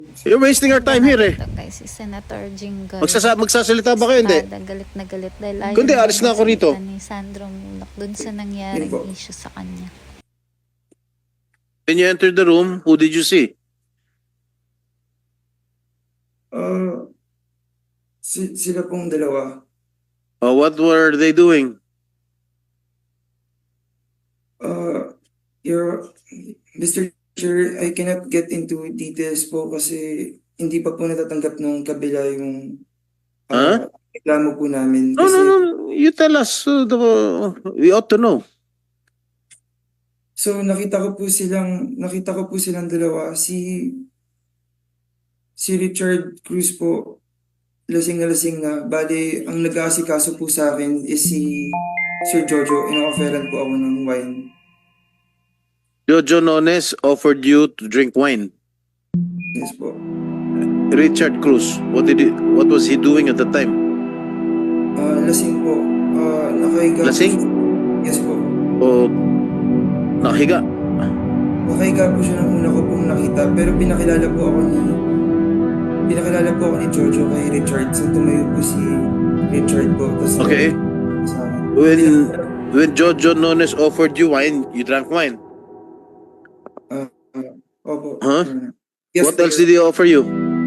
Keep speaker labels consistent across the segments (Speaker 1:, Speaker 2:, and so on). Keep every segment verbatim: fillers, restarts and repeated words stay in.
Speaker 1: You're wasting our time here eh.
Speaker 2: Ito kay si Senator Jinggoy.
Speaker 1: Magsasa magsasalita ba kayo? Hindi.
Speaker 2: Espada, galit na galit dahil ayaw
Speaker 1: Kundi,
Speaker 2: naman
Speaker 1: alis na ako rito.
Speaker 2: magsalita ni Sandro Mulak dun sa nangyaring
Speaker 3: Yun po.
Speaker 2: issue sa kanya.
Speaker 1: When you entered the room, who did you see?
Speaker 3: Ah, si, sila pong dalawa.
Speaker 1: Uh, what were they doing?
Speaker 3: Uh, your, Mister Chair, I cannot get into details po kasi hindi pa po natatanggap ng kabila yung
Speaker 1: Huh?
Speaker 3: uh, reklamo po namin.
Speaker 1: No,
Speaker 3: Kasi,
Speaker 1: no, no. You tell us. Uh, the, we ought to know.
Speaker 3: So nakita ko po silang, nakita ko po silang dalawa. Si, si Richard Cruz po, lasing na lasing na. Bali, ang nag-aasikaso po sa akin is si Sir Jojo. Ino-offeran po ako ng wine.
Speaker 1: Jojo Nones offered you to drink wine.
Speaker 3: Yes po.
Speaker 1: Richard Cruz, what did he, what was he doing at the time?
Speaker 3: Ah, lasing po. Ah, nakahiga.
Speaker 1: Lasing?
Speaker 3: Yes po.
Speaker 1: O nakahiga?
Speaker 3: Nakahiga po siya nung una ko pong nakita. Pero pinakilala po ako ni pinakilala po ako ni Jojo kay Richard. So tumayo po si Richard po. Tapos,
Speaker 1: Okay.
Speaker 3: sa akin.
Speaker 1: When when Jojo Nones offered you wine, you drank wine.
Speaker 3: Ah, ah, opo.
Speaker 1: Huh?
Speaker 3: Yes,
Speaker 1: What else did he offer you?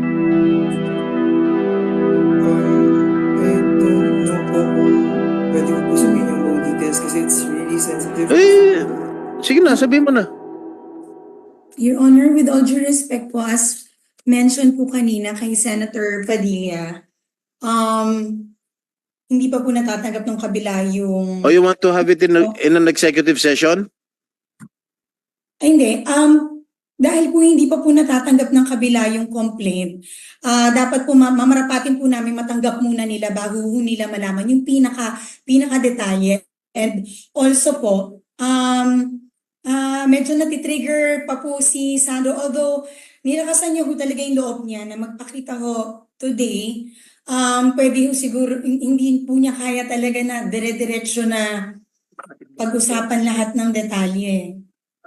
Speaker 3: Um, I don't know po kung pwede ko po sabihin yung buong details kasi it's really sensitive.
Speaker 1: Eh, sige na, sabihin mo na.
Speaker 4: Your Honor, with all due respect po, as mentioned po kanina kay Senator Padilla, um, hindi pa po natatanggap ng kabila yung...
Speaker 1: Or you want to have it in, a, in an executive session?
Speaker 4: Ay, hindi. Um, dahil po hindi pa po natatanggap ng kabila yung complaint, ah dapat po ma- mamarapatin po namin matanggap muna nila bago ho nila malaman yung pinaka, pinaka detalye. And also po, um, ah medyo natitrigger pa po si Sandro, although nilakasan niya ho talaga yung loob niya na magpakita ho today. Um, pwede ho siguro, hindi po niya kaya talaga na dire-diretso na pag-usapan lahat ng detalye.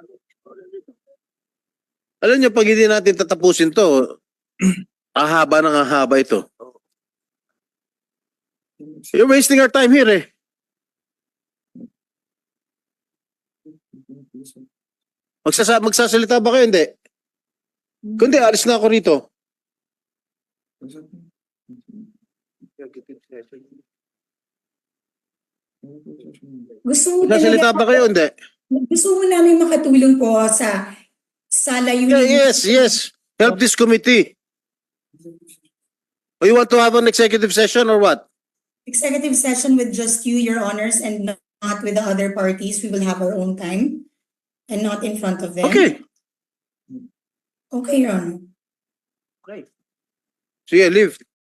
Speaker 1: Alam niyo, pag hindi natin tatapusin to, ahaba ng ahaba ito. You're wasting our time here eh. Magsasa magsasalita ba kayo? Hindi. Kundi, alis na ako rito.
Speaker 4: Gusto mo
Speaker 1: Magsasalita ba kayo? Hindi.
Speaker 4: Gusto mo namin makatulong po sa sa layunin.
Speaker 1: Yeah, yes, yes. Help this committee. Or you want to have an executive session or what?
Speaker 4: Executive session with just you, Your Honors, and not with the other parties. We will have our own time and not in front of them.
Speaker 1: Okay.
Speaker 4: Okay, Your Honor.
Speaker 1: Sige, leave.